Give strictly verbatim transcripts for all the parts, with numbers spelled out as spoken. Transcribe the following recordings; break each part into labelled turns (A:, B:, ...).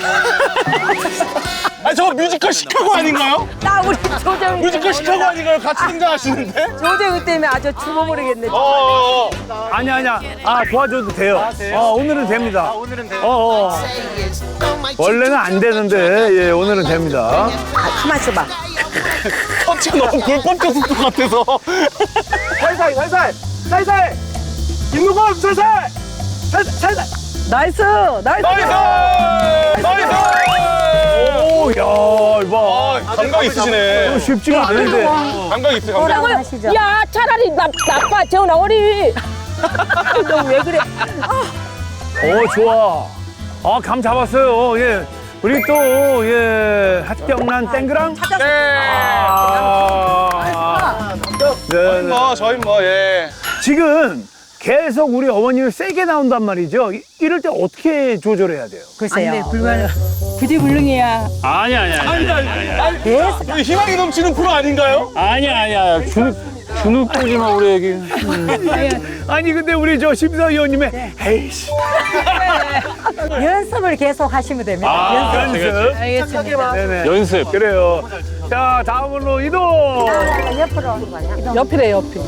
A: 아, 저거 뮤지컬 시카고 아닌가요?
B: 나 우리 조재훈.
A: 뮤지컬 시카고 아닌가요? 같이 등장하시는데?
B: 조재훈 때문에 아주 죽어버리겠네.
A: 어,
C: 아니 아니야. 아 도와줘도 돼요. 어 오늘은 됩니다. 오늘은 돼요. 어, 어. 원래는 안 되는데 예 오늘은 됩니다.
B: 아, 가만 있어봐.
A: 터치가 너무 불법적 속도 같아서.
C: 살살 살살 살살. 김누범 살살 살살 살살.
B: 나이스, 나이스.
A: 나이스! 나이스!
C: 오, 야, 이봐.
A: 아, 감각 있으시네.
C: 쉽지가 않은데.
A: 감각 있어, 감각.
B: 뭐라고 하시죠? 야, 차라리 나, 나빠, 재훈아, 어리. 너 왜 그래?
C: 어, 좋아. 아, 감 잡았어요. 예. 우리 또, 예, hat경란 땡그랑.
B: 찾았어.
A: 네.
C: 아, 네,
A: 저희
C: 네.
A: 뭐, 저희 뭐, 예.
C: 지금 계속 우리 어머님이 세게 나온단 말이죠. 이- 이럴 때 어떻게 조절해야 돼요?
B: 글쎄요. 안 돼, 불만. 부지불능이야.
D: 아니야, 아니야, 아니야, 아니야, 아니야.
B: 계속.
A: 우리 희망이 넘치는 프로 아닌가요?
D: 아니야, 아니야. 주눅, 주눅 들지 마, 우리 애기.
C: 아니, 근데 우리 저 심사위원님의 에이씨.
B: 연습을 계속 하시면 됩니다.
D: 아,
B: 연습.
C: 연습.
B: 알겠습니다.
C: 네네.
D: 연습.
C: 그래요. 자, 다음으로 이동.
B: 옆으로 하는 거냐?
E: 옆이래 옆이.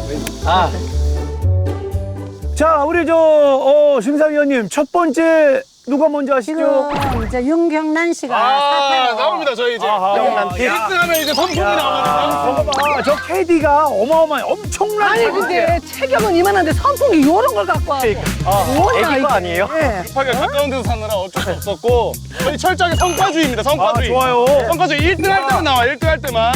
C: 자, 우리 저, 어, 심사위원님, 첫 번째 누가 먼저 하시죠?
B: 지금 이제 윤경란 씨가
A: 아,
B: 사퇴로.
A: 나옵니다, 저희 이제.
C: 아하.
A: 일 등 하면 이제 선풍이 나오거든요.
C: 봐봐, 저 캐디가 어마어마해. 엄청난.
E: 아니 근데 체격은 이만한데 선풍기 요런 걸 갖고 와. 뭐냐 이거 아니에요?
A: 급하게 가까운 데서 사느라 어쩔 수 없었고, 저희 철저하게 성과주의입니다,
C: 아,
A: 성과주의.
C: 좋아요.
A: 성과주의 일 등 할 때만 나와, 일 등 할 때만.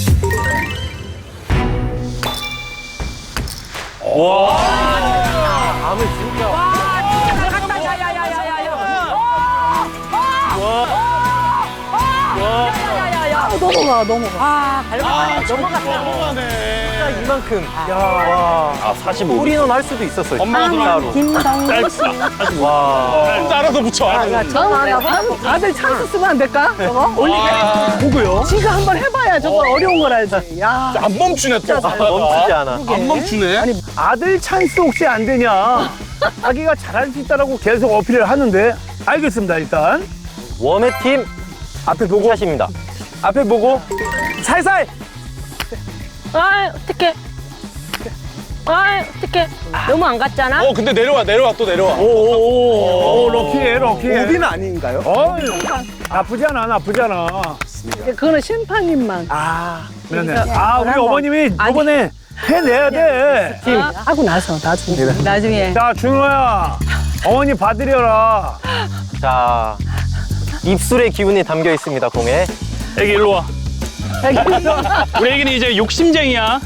E: 야야야야 넘어가 넘어가.
B: 아, 갈망하네. 넘어갔다.
A: 넘어가네.
F: 이만큼.
D: 아, 사십오.
F: 우리는 할 수도 있었어요.
A: 엄마가
F: 진짜로.
B: 김동국 씨.
F: 와.
A: 진짜 알아서 붙여. 알아서.
B: 전화 하나
E: 아, 아들 찬스 쓰면 안 될까? 저거 올리게.
C: 누구요?
E: 지가 한번 해봐야 저거 어. 려운 걸 알지. 야.
A: 안 멈추네, 또.
F: 멈추지 않아.
A: 안 멈추네.
C: 아들 찬스 혹시 안 되냐? 자기가 잘할 수 있다라고 계속 어필을 하는데. 알겠습니다, 일단.
F: 웜의 팀
C: 앞에 보고.
F: 샷입니다. 앞에 보고 살살.
B: 아, 어떡해. 아, 어떡해. 너무 안 갔잖아?
A: 어, 근데 내려와, 내려와, 또 내려와.
C: 오오오, 오, 럭키해, 럭키해.
F: 오비는 아닌가요?
C: 어, 나쁘지 않아, 나쁘지 않아.
E: 그거는 심판님만.
C: 아, 네네. 아, 우리 어머님이
B: 아니.
C: 이번에 해내야 돼.
E: 팀 하고 나서 나중에.
B: 나중에.
C: 자, 준호야, 어머니 봐드려라.
F: 자, 입술의 기운이 담겨 있습니다, 공에.
D: 애기 일로 와. 우리 애기는 이제 욕심쟁이야.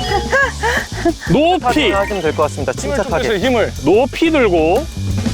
D: 높이,
F: 하시면 될 것 같습니다.
A: 힘을 좀
F: 침착하게.
A: 빼세요, 힘을.
D: 높이 들고.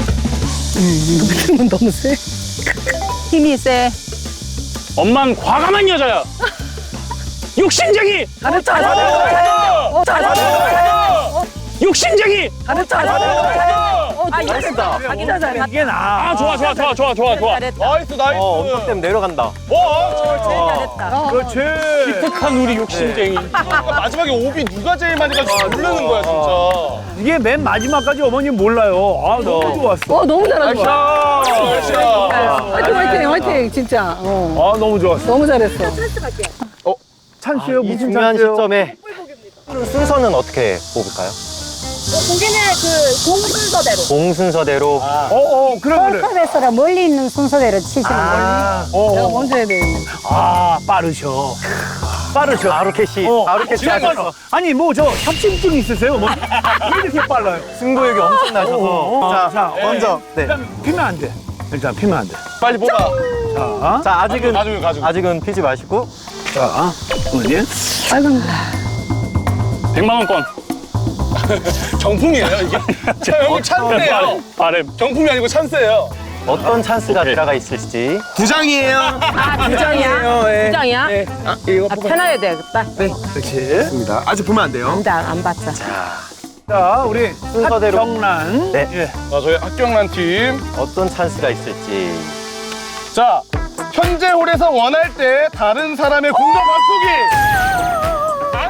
E: 힘은 너무 세.
B: 힘이 세.
D: 엄만 과감한 여자야. 욕심쟁이,
E: 잘했다.
A: 어,
E: 잘했다.
D: 욕심쟁이.
E: 잘했다.
B: 아,
F: 잘했다.
B: 자기가 잘했다.
C: 이게 나.
D: 아, 좋아, 좋아, 좋아, 좋아, 좋아, 좋아.
B: 잘했다.
A: 나이스, 나이스.
F: 어, 엄청 때문에 내려간다.
A: 와,
B: 제일 잘했다.
C: 그렇지.
D: 기특한 우리 욕심쟁이.
A: 마지막에 오비 누가 제일 많이 가지고 모르는 거야, 진짜.
C: 이게 맨 마지막까지 어머님 몰라요. 아, 너무 좋았어.
E: 어 너무 잘하는 거야.
A: 자,
E: 화이팅 화이팅 화이팅 진짜. 어
C: 아, 너무 좋았어.
E: 너무 잘했어.
C: 찬스요,
F: 이
C: 무슨
F: 중요한
C: 찬스요?
F: 시점에 순서는 어떻게 뽑을까요?
B: 거기는 그 공순서대로.
F: 공 순서대로.
C: 어, 어, 그래, 그래.
B: 컵에서라 멀리 있는 순서대로 치시는 거예요.
F: 아,
C: 어,
E: 내가
C: 어.
E: 먼저 해야 되겠네.
C: 아, 빠르셔. 빠르셔.
F: 바로 캐시.
C: 어.
F: 바로 캐시
C: 지금
F: 하셨어.
C: 아니, 뭐, 저 협심증 있으세요? 뭐, 왜 이렇게 빨라요?
F: 승부욕이 엄청 나셔서.
C: 어, 자, 자,
F: 먼저. 네.
C: 일단 피면 안 돼. 일단 피면 안 돼.
A: 빨리 뽑아.
C: 자,
F: 자, 아직은
A: 가지고, 가지고.
F: 아직은 피지 마시고.
C: 자, 어머니.
E: 빨간
D: 백만 원권.
A: 정품이에요, 이게. 자, 여기 찬스예요.
D: 바램.
A: 정품이 아니고 찬스예요.
F: 어떤 찬스가 들어가 있을지.
A: 두 장이에요.
B: 아, 두 장이야? 두 장이야?
A: 아, 이거
B: 아, 편하게 되겠다.
C: 그렇지.
A: 아직 보면 안 돼요.
B: 안, 안 봤자.
C: 자, 우리
F: 순서대로.
C: 경란.
F: 네.
C: 예.
A: 자, 저희 학경란 팀.
F: 어떤 찬스가 있을지.
A: 자, 현재 홀에서 원할 때 다른 사람의 공격 바꾸기. 안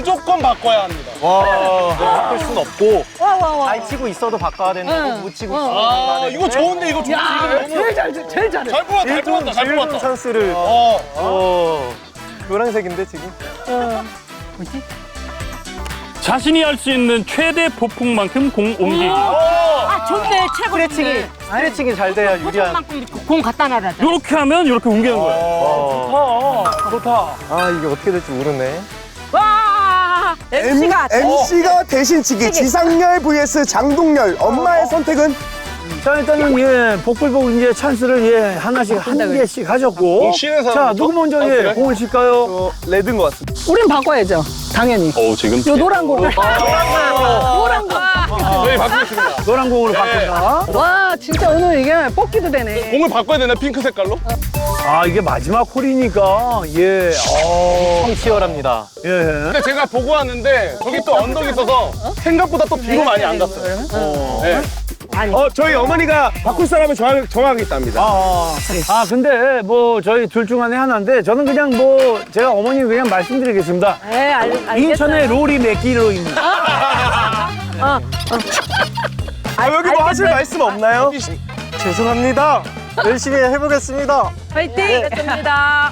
A: 무조건 바꿔야 합니다.
F: 바꿀 순 없고
E: 와, 와, 와.
F: 잘 치고 있어도 바꿔야 된다고
E: 응.
F: 못 치고
E: 어.
F: 있어도
A: 아,
F: 바꿔야
A: 이거
F: 되는데
A: 좋은데 이거 좋지.
E: 야,
A: 이거 너무
E: 제일 잘, 제일 잘해.
A: 잘 뽑았다, 잘
F: 일본
A: 뽑았다, 잘
F: 일본
A: 뽑았다.
F: 찬스를
A: 어.
F: 어 노란색인데 지금
E: 뭐지?
D: 자신이 할 수 있는 최대 폭풍만큼 공 옮기기.
B: 아 좋네 최고.
F: 스트레칭이 스트레칭이 잘 돼야 유리한.
B: 만큼 공 갖다 놔라.
D: 이렇게 하면 이렇게 옮기는 거예요.
F: 어.
C: 좋다. 좋다.
F: 아 이게 어떻게 될지 모르네.
B: 와 엠씨가
G: 엠씨가 대신치기 지상렬 vs 장동렬 엄마의 선택은
C: 자, 일단은 예, 복불복 이제 찬스를 예, 하나씩 한 개씩 하셨고.
A: 공 쉬는
C: 자,
A: 사람부터?
C: 누구 먼저
A: 아,
C: 예,
A: 그래?
C: 공을 칠까요?
G: 어, 레드인 것 같습니다.
E: 우린 바꿔야죠. 당연히.
D: 어 지금
E: 요 노란 공. 노란 공.
A: 저희 바꾸겠습니다.
C: 노란 공으로
A: 네.
C: 바꾼다.
E: 와, 진짜 오늘 이게 뽑기도 되네.
A: 공을 바꿔야 되나 핑크 색깔로?
C: 아, 이게 마지막 홀이니까 예, 어,
F: 성 치열합니다.
C: 예.
A: 근데 제가 보고 왔는데 저기 또 언덕이 있어서 생각보다 또 비로 많이 안 갔어요. 네.
G: 어, 저희 어머니가 바꿀 사람을 정하, 정하겠답니다.
C: 아, 아, 근데 뭐 저희 둘 중 안에 하나인데 저는 그냥 뭐 제가 어머니 그냥 말씀드리겠습니다.
B: 네 알, 알겠어요.
C: 인천의 롤이 몇 킬로입니다.
G: 아, 여기 뭐 하실 말씀 없나요?
F: 죄송합니다. 열심히 해보겠습니다.
B: 화이팅. 됐습니다.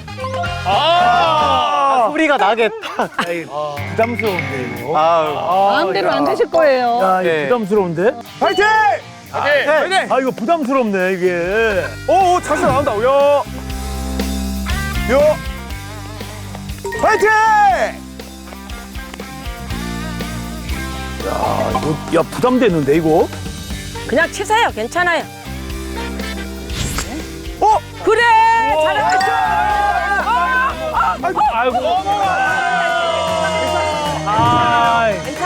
A: 아,
F: 소리가 나겠다.
C: 아이, 부담스러운데 이거.
F: 아,
E: 마음대로 안 되실 거예요.
C: 야, 이거
F: 네.
C: 부담스러운데?
G: 파이팅!
A: 네.
C: 아, 이거 부담스럽네 이게.
G: 오, 오, 찬스 나온다. 요. 요. 파이팅!
C: 아, 이거, 야, 부담되는데 이거?
B: 그냥 치세요. 괜찮아요.
G: 어?
B: 그래 잘했어.
C: 아이고. 아,